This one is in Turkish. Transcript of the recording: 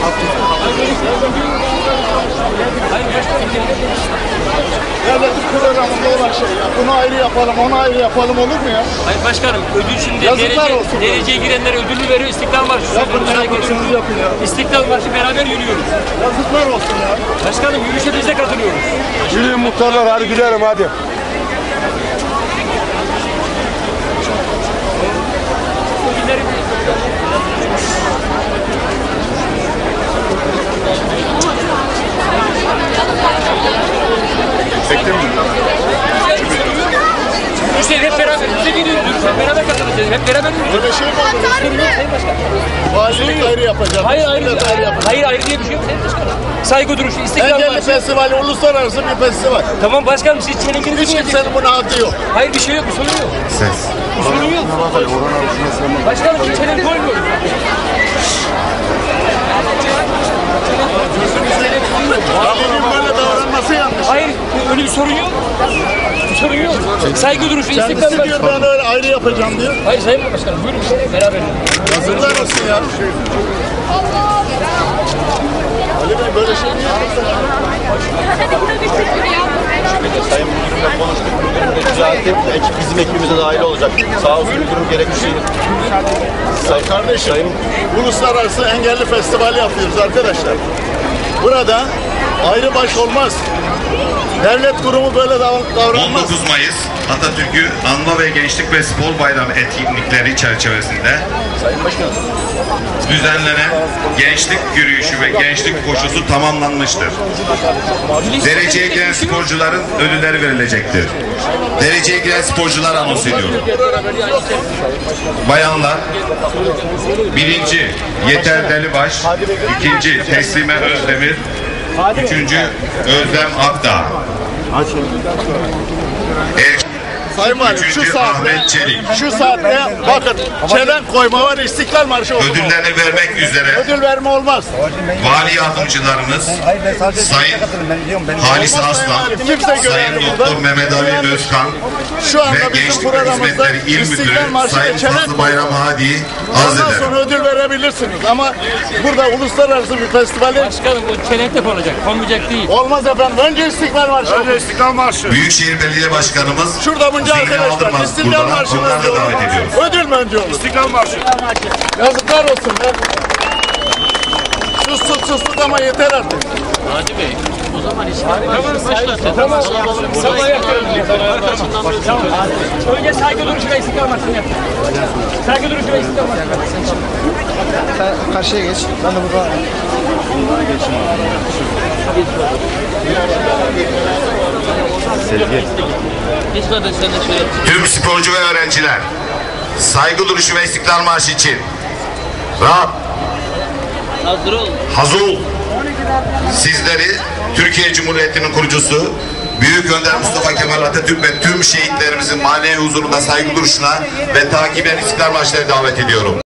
Devletin programında olan şey ya. Bunu ayrı yapalım, onu ayrı yapalım olur mu ya? Hayır başkanım, ödül şimdi dereceye girenlere ödülü veriyor, İstiklal Marşı. Yapın ya. İstiklal Marşı beraber yürüyoruz. Yazıklar olsun ya. Başkanım yürüyüşe biz de katılıyoruz. Yürüyün muhtarlar, hadi gidelim hadi. Çektim mi? İşte hep beraber, beraber katılacağız. Hep beraber yürüyoruz. Böyle şey mi olur? Sayın Başkan. Valilik ayrı yapacak. Hayır ayrı diye bir şey yok Sayın Başkanım. Saygı duruşu, İstiklal Engelli Marşı. festivali uluslararası bir festival. Tamam başkanım siz çelenkinizi Hiç kimsenin buna hakkı yok. Hayır bir şey yok, bir sorun yok. Ses. Bir sorun yok. Başkanım bir çelenk koymuyoruz. Valinin böyle davranması yanlış. Hayır öyle bir sorun yok. Bir sorun yok. Saygı duruşu, İstiklal Kendisi diyor Marşı. ben öyle ayrı yapacağım diyor. Hayır Sayın Başkanım buyurun beraber. Yazıklar olsun ya. Ali Bey böyle şey mi yapıyorsun? Sayın Müdürümle konuştuk. Müdürüm de düzeltti. Ekip bizim ekibimize dahil olacak. Sağ olsun müdürüm gerekli şeyi. Kardeşim, uluslararası engelli festivali yapıyoruz arkadaşlar. Burada ayrı baş olmaz. Devlet kurumu böyle davranmaz. 19 Mayıs Atatürk'ü anma ve Gençlik ve Spor Bayramı etkinlikleri çerçevesinde düzenlenen gençlik yürüyüşü ve gençlik koşusu tamamlanmıştır. Dereceye giren sporcuların ödülleri verilecektir. Dereceye giren sporcular anons ediyorum. Bayanlar, birinci Yeter Delibaş, ikinci Teslime Özdemir, üçüncü Özlem Akdağ. Sayın Valim Ahmet Çelik. şu saatte bakın çelenk koyma var, İstiklal Marşı okuma. Ödüllerini vermek üzere Ödül verme olmaz. vali yardımcılarımız Sayın Halis Aslan, Sayın Doktor Mehmet Ali Özkan Şu anda ve bizim Gençlik programımızda Hizmetleri İl Müdürü İstiklal Marşı Sayın ve çelenk Fazlı Bayram Hadi'yi arz ondan ederim. sonra ödül verebilirsiniz ama burada uluslararası bir festivali Başkanım o çelenkte konacak, konmayacak değil. olmaz efendim. Önce İstiklal Marşı. Önce İstiklal Marşı. Büyükşehir Belediye Başkanımız Şurada bunca Zihni arkadaşlar Aldırmaz İstiklal buradan Marşı'nı onları da davet ediyoruz. ödül mü önce olur? İstiklal Marşı. Yazıklar olsun be. Sus ama yeter artık. Hadi Bey, o zaman İstiklal Marşı başlasın. Tamam. Sabah yapıyoruz. Tamam. Önce saygı duruşu ve İstiklal Marşı'nı yapın. Saygı duruşu ve İstiklal Marşı'nı. Karşıya geç. Ben de burada. Tüm sporcu ve öğrenciler saygı duruşu ve İstiklal Marşı için rahat, hazır ol. Sizleri Türkiye Cumhuriyeti'nin kurucusu Büyük Önder Mustafa Kemal Atatürk ve tüm şehitlerimizin manevi huzurunda saygı duruşuna ve takiben İstiklal Marşı'na davet ediyorum.